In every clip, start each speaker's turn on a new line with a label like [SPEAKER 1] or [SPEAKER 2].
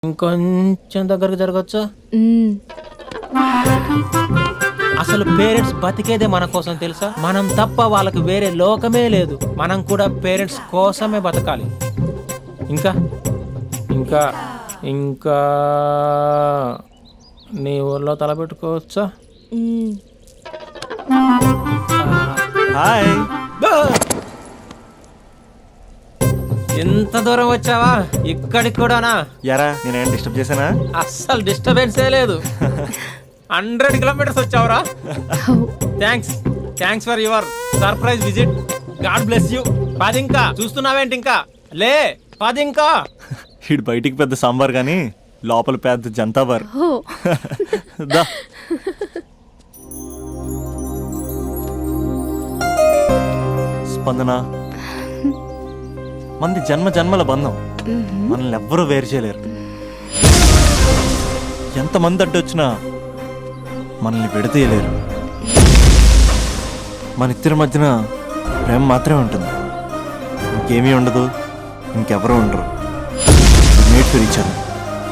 [SPEAKER 1] ఇంకొంచెం దగ్గరకు జరగచ్చా? అసలు పేరెంట్స్ బతికేదే మన కోసం తెలుసా? మనం తప్ప వాళ్ళకి వేరే లోకమే లేదు. మనం కూడా పేరెంట్స్ కోసమే బతకాలి. ఇంకా ఇంకా ఇంకా నీ ఊర్లో తలపెట్టుకోవచ్చా?
[SPEAKER 2] హాయ్.
[SPEAKER 1] ఎంత దూరం వచ్చావా? ఇక్కడికి కూడానా?
[SPEAKER 2] యారా నేనేం డిస్టర్బ్ చేశానా?
[SPEAKER 1] అస్సలు డిస్టర్బెన్సే లేదు. 100 కిలోమీటర్స్ వచ్చావురా. Thanks for your surprise visit. God bless you. పదింకా చూస్తున్నావేంటి? ఇంకా లే, పదింకా.
[SPEAKER 2] ఇటు బయటికి పెద్ద సాంబార్ గానీ లోపల పెద్ద జంతాబార్. దా. స్పందన, మంది జన్మ జన్మల బంధం. మనల్ని ఎవ్వరూ వేరు చేయలేరు. ఎంతమంది అడ్డొచ్చినా మనల్ని విడదీయలేరు. మన ఇద్దరి మధ్యన ప్రేమ మాత్రమే ఉంటుంది. ఇంకేమీ ఉండదు, ఇంకెవరూ ఉండరు. Mate for each other.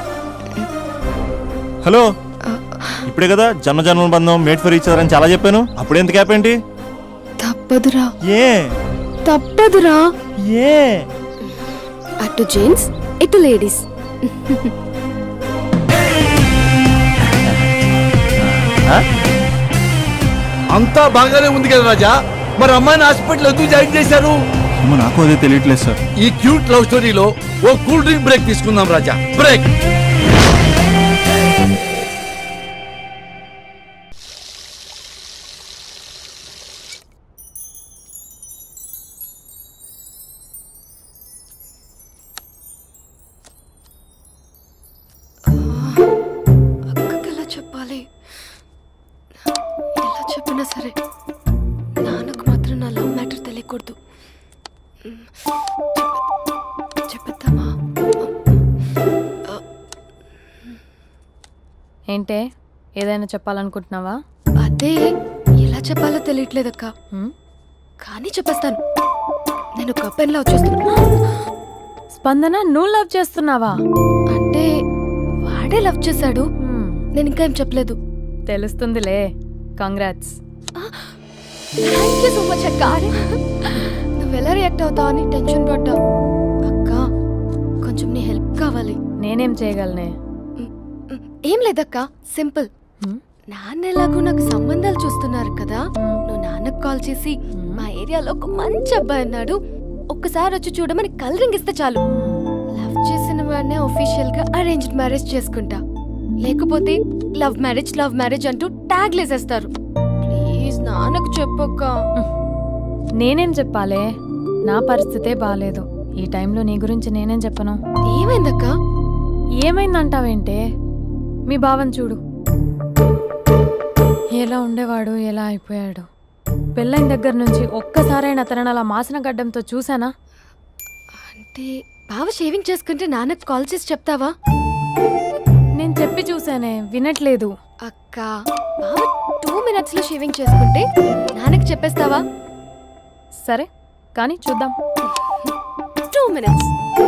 [SPEAKER 2] Hello, ఇప్పుడే కదా జన్మ జన్మల బంధం, మేట్ ఫర్ ఈచ్ అదర్ అని చాలా చెప్పాను. అప్పుడే ఎంత గ్యాప్ ఏంటి?
[SPEAKER 3] తప్పదురా.
[SPEAKER 2] ఏ
[SPEAKER 3] తప్పదురా?
[SPEAKER 2] ఏ
[SPEAKER 3] అటు జెంట్స్ ఇటు లేడీస్.
[SPEAKER 4] అంతా బాగానే ఉంది కదా రాజా, మరి అమ్మాయిని హాస్పిటల్ ఎందుకు జాయిన్ చేశారు?
[SPEAKER 2] నాకు అదే తెలియట్లేదు సార్.
[SPEAKER 4] ఈ క్యూట్ లవ్ స్టోరీలో ఓ కూల్ డ్రింక్ బ్రేక్ తీసుకుందాం రాజా. బ్రేక్.
[SPEAKER 3] అక్కకి ఎలా చెప్పాలి? ఎలా చెప్పినా సరే నాన్నకు మాత్రం నా లవ్ మ్యాటర్ తెలియకూడదు. చెప్పేద్దామా?
[SPEAKER 5] ఏంటే, ఏదైనా చెప్పాలనుకుంటున్నావా?
[SPEAKER 3] అదే ఎలా చెప్పాలో తెలియట్లేదక్క. కానీ చెప్పేస్తాను. నేను ఒక అబ్బాయిలా వచ్చేస్తున్నా.
[SPEAKER 5] స్పందన, నువ్వు లవ్ చేస్తున్నావా?
[SPEAKER 3] అంటే వాడే లవ్ చేశాడు. నేను ఇంకా ఏం చెప్పలేదు.
[SPEAKER 5] తెలుస్తుందిలే. Congrats.
[SPEAKER 3] Thank you so much అక్క. నువ్వు ఎలా రియాక్ట్ అవుతావు అని టెన్షన్ పడ్డా. అక్క, కొంచెం నీ హెల్ప్ కావాలి.
[SPEAKER 5] నేనేం చేయగలనే?
[SPEAKER 3] ఏం లేదక్క, సింపుల్. నాన్న ఎలాగో నాకు సంబంధాలు చూస్తున్నారు కదా, నువ్వు నాన్నకు కాల్ చేసి మా ఏరియాలో ఒక మంచి అబ్బాయి అన్నాడు, ఒక్కసారి వచ్చి చూడమని కలరింగ్ ఇస్తే చాలు. లవ్ చేసిన వాడినే ఒఫీషియల్ గా అరేంజ్డ్ మ్యారేజ్ చేసుకుంటా. లేకపోతే లవ్ మ్యారేజ్ అంటూ ట్యాగ్ లేసేస్తారు. ప్లీజ్ నాన్నకు చెప్పక్క.
[SPEAKER 5] నేనేం చెప్పాలే? నా పరిస్థితే బాలేదు. ఈ టైంలో నీ గురించి నేనేం చెప్పను?
[SPEAKER 3] ఏమైందక్క?
[SPEAKER 5] ఏమైందంటావేంటే? మీ భావం చూడు, ఎలా ఉండేవాడు, ఎలా అయిపోయాడు. పెళ్ళైన దగ్గర నుంచి ఒక్కసారైనా తనని అలా మాసిన గడ్డంతో చూసానా?
[SPEAKER 3] అంటే బావ షేవింగ్ చేసుకుంటే నాన్నకు కాల్ చేసి చెప్తావా?
[SPEAKER 5] నేను చెప్పి చూసానే, వినట్లేదు.
[SPEAKER 3] అక్క, బావ 2 minutes లో షేవింగ్ చేసుకుంటే నాన్నకు చెప్పేస్తావా?
[SPEAKER 5] సరే కానీ చూద్దాం.
[SPEAKER 3] 2 minutes.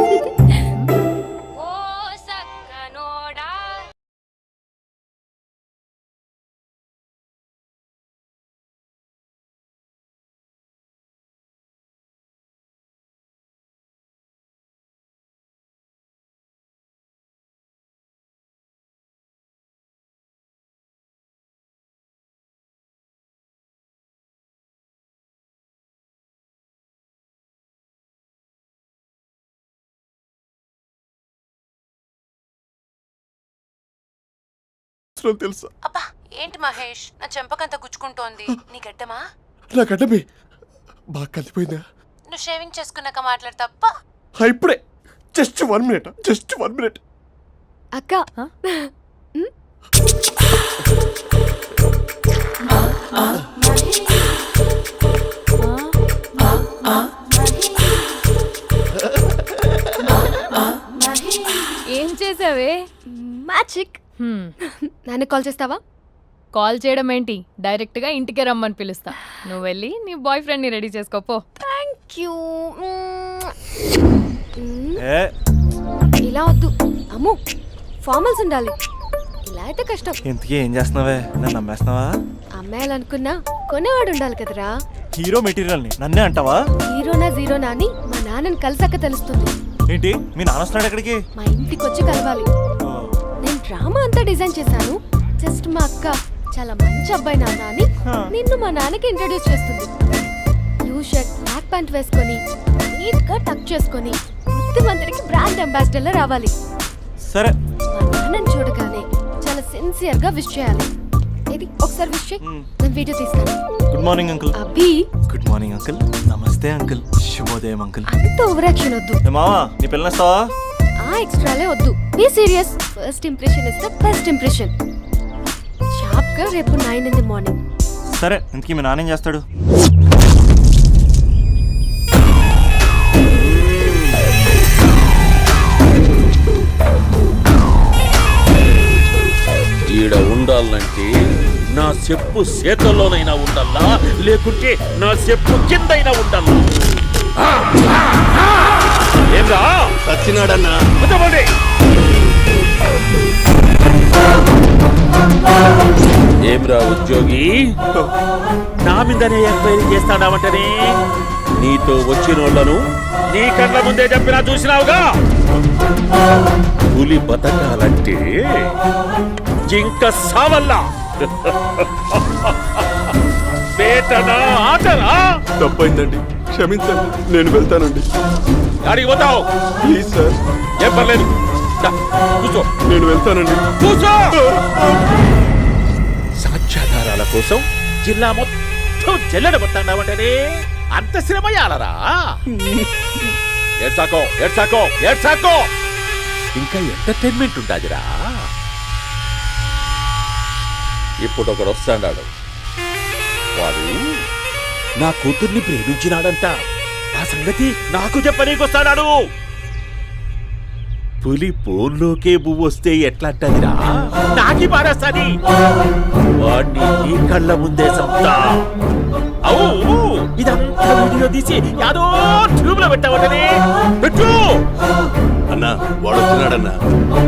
[SPEAKER 4] తెలుసా?
[SPEAKER 6] అబ్బా, ఏంటి మహేష్, నా చెంపకంత గుచ్చుకుంటోంది. నీ గడ్డమా?
[SPEAKER 4] నా గడ్డమే బాగా కలిపోయిందా?
[SPEAKER 6] నువ్వు షేవింగ్ చేసుకున్నాక మాట్లాడు తప్ప.
[SPEAKER 4] ఇప్పుడే జస్ట్ 1 minute.
[SPEAKER 3] అక్క,
[SPEAKER 5] ఏం చేసావే?
[SPEAKER 3] మ్యాజిక్. నాన్న కాల్ చేస్తావా?
[SPEAKER 5] కాల్ చేయడం ఏంటి, డైరెక్ట్ గా ఇంటికే రమ్మని పిలుస్తా. నువ్వు వెళ్ళి నీ బాయ్ ఫ్రెండ్ ని రెడీ చేసుకోపో.
[SPEAKER 3] Thank you.
[SPEAKER 2] ఏ
[SPEAKER 3] ఇలా వద్దు అమ్ము, ఫార్మల్స్ ఉండాలి. ఇలా అయితే కష్టం.
[SPEAKER 2] ఇంతకీ ఏం చేస్తున్నావే? నన్ను నమ్మేస్తున్నావా?
[SPEAKER 3] అమ్మాయాలనుకున్నా కొనేవాడు ఉండాలి కదరా.
[SPEAKER 2] హీరో మెటీరియల్ని నన్నే అంటావా?
[SPEAKER 3] హీరోనా జీరోనా అని మా నాన్నని కలిసాక తెలుస్తుంది.
[SPEAKER 2] ఏంటి మీ నాన్న వస్తున్నాడు ఎక్కడికి?
[SPEAKER 3] మా ఇంటికి వచ్చి కలవాలి. నేను డ్రామా అంతా డిజైన్ చేశాను. జస్ట్ మా అక్క చాలా మంచి అబ్బాయి నాన్న అని నిన్ను మా నాన్నకి ఇంట్రడ్యూస్ చేస్తుంది. బ్లూ షర్ట్ బ్లాక్ ప్యాంట్ వేసుకొని నీట్ గా టక్ చేసుకొని బుద్ధిమంతుడికి బ్రాండ్ అంబాసిడర్ లా రావాలి.
[SPEAKER 2] సరే.
[SPEAKER 3] మా నాన్నని చూడగానే చాలా సిన్సియర్ గా విష్ చేయాలి. ఇది ఒకసారి విష్ చేయి. నేను వీడియో తీస్తాను.
[SPEAKER 2] Good morning uncle.
[SPEAKER 3] Abhi.
[SPEAKER 2] Good morning uncle. నమస్తే అంకుల్. శుభోదయం అంకుల్.
[SPEAKER 3] అంత ఓవర్ యాక్షన్ వద్దు.
[SPEAKER 2] మావా నీ పిల్లనిస్తావా?
[SPEAKER 3] ఆ ఎక్స్ట్రాలే వద్దు. Be serious. First impression is the best impression. Sharp గా రేపు 9 in the morning.
[SPEAKER 2] సరే. ఇంతకీ మీ నాన్న ఏం చేస్తాడు?
[SPEAKER 7] ఈడ ఉండాలంటే నా చెప్పు చేతల్లోనైనా ఉండాలా, లేకుంటే నా చెప్పు కిందైనా ఉండాలా. ఏంరా
[SPEAKER 4] సచ్చినాడన్నా.
[SPEAKER 7] ఏమ్రా ఉద్యోగి, నా మీదనే ఎంక్వైరీ చేస్తాడావంటనే? నీతో వచ్చిన వాళ్ళను నీ కళ్ళ ముందే చెప్పినా చూసినావుగా. పులి బతకాలంటే జింక సావల్లా. వేటనా ఆటనా?
[SPEAKER 8] తప్పైందండి, క్షమించండి. నేను వెళ్తానండి.
[SPEAKER 7] అడిగి పోతావు?
[SPEAKER 8] Please sir.
[SPEAKER 7] ఏం పర్లేదు, కూర్చో.
[SPEAKER 8] నేను వెళ్తానండి.
[SPEAKER 7] కూర్చో. సాక్ష్యాధారాల కోసం జిల్లా మొత్తం చెల్లడబట్టావంటనే అంత శ్రమయాలరా? ఏడ్సాకో ఏడ్సాకో ఏడ్సాకో. ఇంకా ఎంటర్టైన్మెంట్ ఉండాదిరా. ఇప్పుడు ఒకడు వస్తాడు. వాడు నా కూతుర్ని ప్రేమించినాడంట. ఆ సంగతి నాకు చెప్పనీకొస్తాడు. పులి పోల్లోకే పువ్వు వస్తే ఎట్లాంటదిరా? నాకి పారేస్తాది. వాడిని నీ కళ్ళ ముందే సంతా. అవు ఇదంతా వీడియో తీసి యాదో ట్యూబ్ లో పెట్టావటనే. పెట్టు
[SPEAKER 8] అన్నా, వాడు వచ్చినాడన్నా.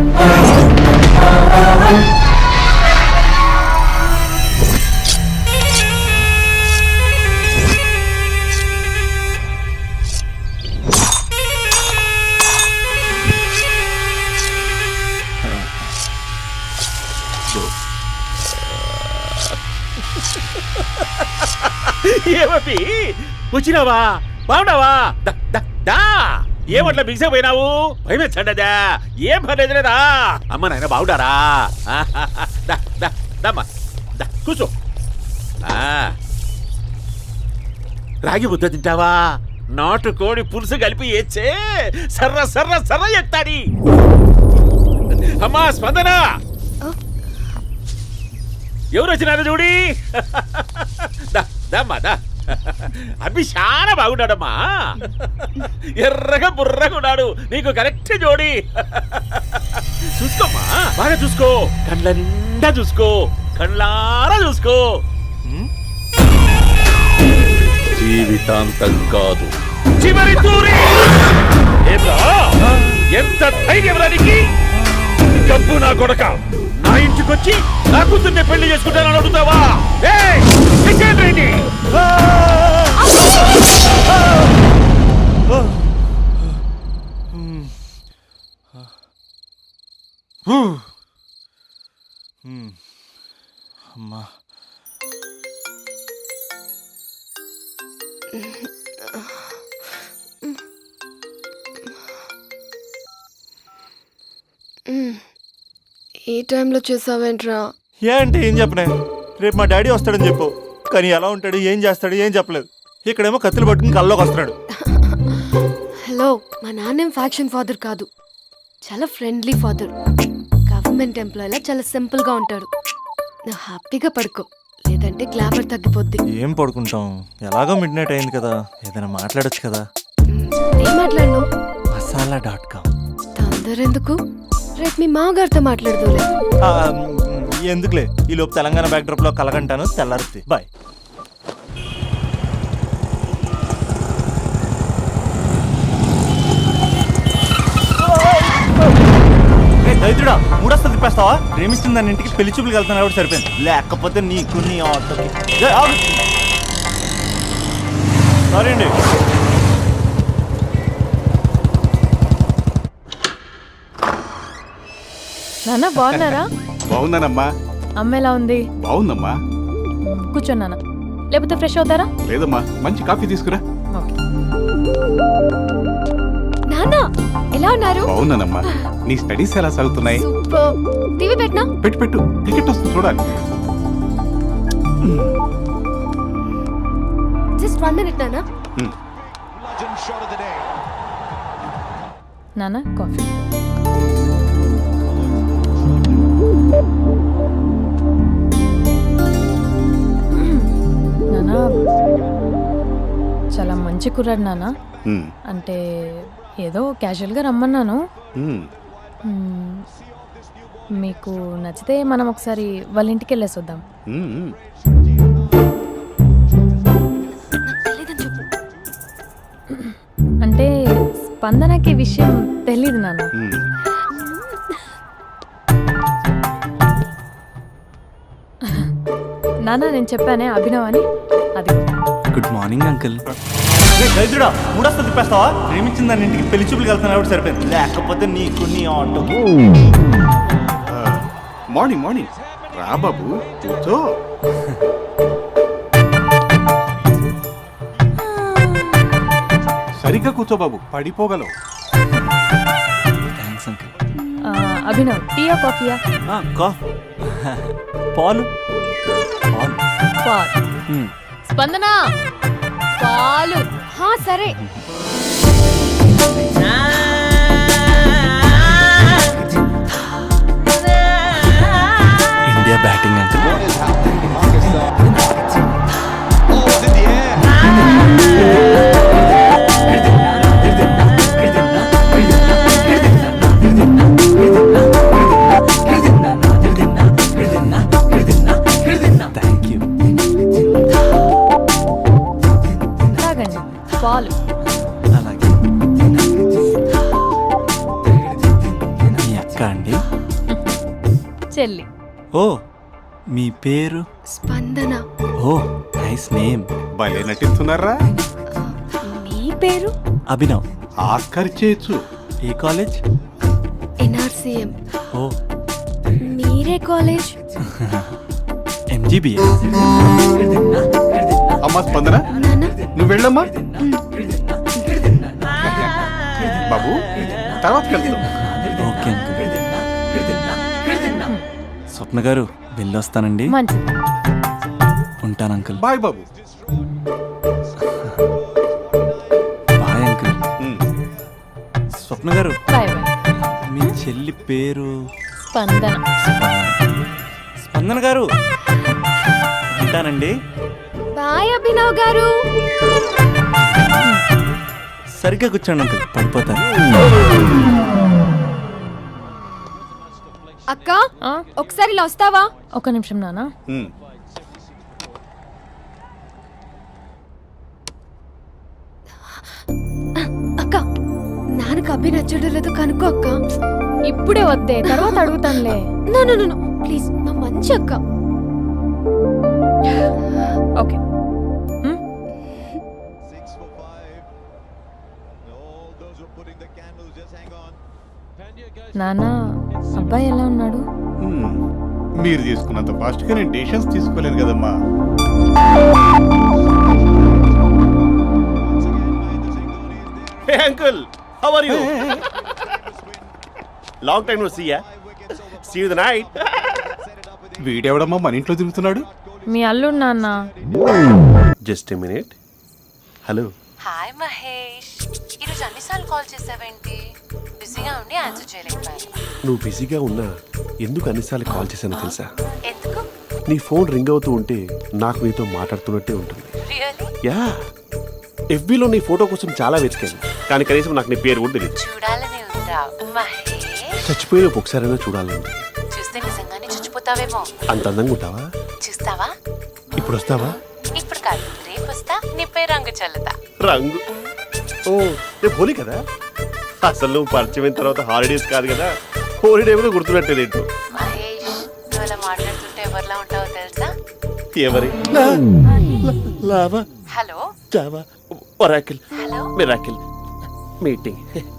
[SPEAKER 7] ఏమీ వచ్చినావా? బాగున్నావా? ఏమట్లా బిగిసే పోయినావు? భయమేచ్చండదా? ఏం పర్లేదులేదా? అమ్మ నాయన బాగుండారా? కూర్చో. రాగి ముద్ద తింటావా? నాటు కోడి పులుసు కలిపి ఏచ్చే సర్ర సర్ర సర్ర ఎత్తాడి. అమ్మా స్పందన, ఎవరు వచ్చినారు చూడి. అభి చాలా బాగున్నాడమ్మా. ఎర్రగా బుర్రగా ఉన్నాడు. నీకు కరెక్ట్ జోడి. చూసుకోమ్మా, బాగా చూసుకో. కండ్ల నిండా చూసుకో, కండ్లారా చూసుకో. జీవితాంతం కాదు, చివరి తూరి. ఎంత ధైర్యం రానికి? డబ్బు నా కొడక నా ఇంటికొచ్చి నా కూతుర్ని పెళ్లి చేసుకుంటానని అడుగుతావా?
[SPEAKER 2] అమ్మా,
[SPEAKER 3] ఈ టైంలో చేసావేంట్రా?
[SPEAKER 2] ఏ అంటే ఏం చెప్పనే? రేపు మా డాడీ వస్తాడని చెప్పు. కానీ ఎలా ఉంటాడు, ఏం చేస్తాడు, ఏం చెప్పలేదు. ఇక్కడేమో కత్తులు పట్టుకుని కల్లోకి వస్తున్నాడు.
[SPEAKER 3] హలో, మా నాన్నేం ఫ్యాక్షన్ ఫాదర్ కాదు. చాలా ఫ్రెండ్లీ ఫాదర్. గవర్నమెంట్ ఎంప్లాయీలా చాలా సింపుల్ గా ఉంటాడు. నువ్వు హ్యాపీగా పడుకో, లేదంటే గ్లామర్ తగ్గిపోద్ది.
[SPEAKER 2] ఏం పడుకుంటాం? ఎలాగో మిడ్ నైట్ అయింది కదా, ఏదైనా మాట్లాడొచ్చు కదా.
[SPEAKER 3] ఏం మాట్లాడను?
[SPEAKER 2] masala.com.
[SPEAKER 3] తొందర ఎందుకు? రేపు మీ మామగారితో మాట్లాడదులే.
[SPEAKER 2] ఎందుకులే, ఈ లోపు తెలంగాణ బ్యాక్డ్రాప్ లో కలగంటాను. తెల్లారుద్ది. బాయ్. దైత్రుడా మూడొస్తుంది తిప్పేస్తావా? ప్రేమిస్తుంది దాని ఇంటికి పెళ్లి చూపులకు వెళ్తాను కాబట్టి సరిపోయింది, లేకపోతే నీకు నీ ఆటోకి. సారీ అండి.
[SPEAKER 5] నాన్న బాగున్నారా?
[SPEAKER 8] బాగున్నానమ్మా.
[SPEAKER 5] అమ్మ ఎలా ఉంది?
[SPEAKER 8] బాగుందమ్మా.
[SPEAKER 5] కూర్చోండి నాన్న, లేకపోతే ఫ్రెష్ అవుతారా?
[SPEAKER 8] లేదమ్మా, మంచి కాఫీ తీసుకురా.
[SPEAKER 5] ఓకే.
[SPEAKER 3] నాన్న ఎలా ఉన్నారు?
[SPEAKER 8] బాగున్నానమ్మా. నీ స్టడీస్ ఎలా సాగుతున్నాయి?
[SPEAKER 3] సూపర్. టీవీ పెట్టినా?
[SPEAKER 8] పెట్టు పెట్టు, క్రికెట్ వస్తుంది చూడాలి.
[SPEAKER 3] జస్ట్ 1 minute నాన్న.
[SPEAKER 5] నాన్న కాఫీ. నాన్న చాలా మంచి కుర్రాడు నాన్న. అంటే ఏదో క్యాజువల్గా రమ్మన్నాను. మ్మ్. మీకు నచ్చితే మనం ఒకసారి వాళ్ళ ఇంటికి వెళ్ళేసి వద్దాం.
[SPEAKER 3] తెలీదని చెప్పు.
[SPEAKER 5] అంటే స్పందనకి ఈ విషయం తెలీదు నాన్న. నాన్న నేను చెప్పానే అభినవ్ అని, అది.
[SPEAKER 2] Good morning uncle. దైత్రుడా మూడొస్తుంది తిప్పేస్తావా? ప్రేమించింది దాని ఇంటికి పెళ్లి చూపులకు వెళ్తాను కాబట్టి సరిపోయింది, లేకపోతే నీకు నీ ఆటోకి.
[SPEAKER 8] మార్నింగ్ మార్నింగ్ రా బాబు, కూర్చో. సరిగ్గా కూర్చో బాబు, పడిపోగలవు.
[SPEAKER 2] Thanks uncle.
[SPEAKER 5] అభినవ్ టీయా కాఫీయా?
[SPEAKER 2] పాలు. పాలు.
[SPEAKER 5] పాలు. స్పందన పాలు.
[SPEAKER 3] హా సరే.
[SPEAKER 2] India batting uncle. Thank you.
[SPEAKER 5] తాగండి పాలు.
[SPEAKER 2] అలాగే. మీ అక్క అండి?
[SPEAKER 5] చెల్లి.
[SPEAKER 2] ఓ మీ పేరు?
[SPEAKER 3] స్పందన.
[SPEAKER 2] ఓ నైస్ నేమ్.
[SPEAKER 8] భలే నటిస్తున్నారా?
[SPEAKER 3] మీ పేరు?
[SPEAKER 2] అభినవ్.
[SPEAKER 8] ఆస్కర్ చేయొచ్చు.
[SPEAKER 2] ఏ కాలేజ్?
[SPEAKER 3] NRCM.
[SPEAKER 2] ఓ
[SPEAKER 3] మీరే కాలేజ్?
[SPEAKER 2] MGBA.
[SPEAKER 8] అమ్మా స్పందన,
[SPEAKER 3] నాన్న
[SPEAKER 8] నువ్వు వెళ్ళమ్మా. బాబు తర్వాత కలుద్దాం.
[SPEAKER 2] Okay uncle. స్వప్న గారు వెళ్ళొస్తానండి.
[SPEAKER 5] మంచిది.
[SPEAKER 2] ఉంటాను అంకుల్.
[SPEAKER 8] బాయ్ బాబు.
[SPEAKER 2] Bye uncle. స్వప్న గారు
[SPEAKER 5] బాయ్ బాయ్.
[SPEAKER 2] మీ చెల్లి పేరు?
[SPEAKER 5] స్పందన.
[SPEAKER 2] స్పందన గారు ఉంటానండి.
[SPEAKER 3] బాయ్ అభినవ్ గారు.
[SPEAKER 2] సరిగ్గా కూర్చోండి అంకుల్, పడిపోతారు.
[SPEAKER 3] అక్క ఒకసారి ఇలా వస్తావా?
[SPEAKER 5] ఒక నిమిషం నాన్న.
[SPEAKER 3] అక్క నాన్నకు అభి నచ్చడం లేదో కనుక్కో అక్క.
[SPEAKER 5] ఇప్పుడే వద్దే, తర్వాత అడుగుతానులే.
[SPEAKER 3] నో నో నో ప్లీజ్, నా మంచి అక్క.
[SPEAKER 5] ఓకే. నాన్న అబ్బాయి ఎలా ఉన్నాడు?
[SPEAKER 8] మీరు తీసుకున్నంత ఫాస్ట్ గా నేను డెసిషన్స్ తీసుకోలేను కదమ్మా.
[SPEAKER 7] Hey uncle, how are you? Long time no see ya. See you the night.
[SPEAKER 8] వీడెవడమ్మా మన ఇంట్లో తిరుగుతున్నాడు?
[SPEAKER 5] మీ అల్లుడు నాన్న.
[SPEAKER 7] Just a minute. Hello.
[SPEAKER 6] Hi Mahesh, ఈరోజు అన్నిసార్లు కాల్ చేసావేంటి? బిజీగా ఉండి ఆన్సర్ చేయలేకపోయాను.
[SPEAKER 7] నువ్వు బిజీగా ఉన్నా ఎందుకు అన్నిసార్లు కాల్ చేశానో తెలుసా?
[SPEAKER 6] ఎందుకు?
[SPEAKER 7] నీ ఫోన్ రింగ్ అవుతూ ఉంటే నాకు నీతో మాట్లాడుతున్నట్టే ఉంటుంది.
[SPEAKER 6] రియల్లీ?
[SPEAKER 7] యా, FBలో నీ ఫోటో కోసం చాలా వెతికాను, కానీ కనీసం నాకు నీ పేరు కూడా తెలియదు.
[SPEAKER 6] చూడాలని ఉందా మహేష్?
[SPEAKER 7] చచ్చిపోయిన ఒకసారైనా చూడాలండి.
[SPEAKER 6] చూస్తే నిజంగానే చచ్చిపోతావేమో.
[SPEAKER 7] అంత అందంగా ఉంటావా?
[SPEAKER 6] చూస్తావా?
[SPEAKER 7] ఇప్పుడు వస్తావా?
[SPEAKER 6] ఇప్పుడు కాదు, రేపు వస్తా, నీపై రంగు చల్లుతా.
[SPEAKER 7] రంగు? ఓ రేపు హోలీ కదా. అసలు నువ్వు పరిచయం అయిన తర్వాత హాలిడేస్ కాదు కదా, హోలిడే కూడా గుర్తుపెట్టేది ఏంటో.
[SPEAKER 6] మహేష్ నువ్వు అలా మాట్లాడుతుంటే ఎవరిలా ఉంటావో తెలుసా?
[SPEAKER 7] ఎవరి lava
[SPEAKER 6] hello
[SPEAKER 7] java oracle
[SPEAKER 6] hello
[SPEAKER 7] miracle meeting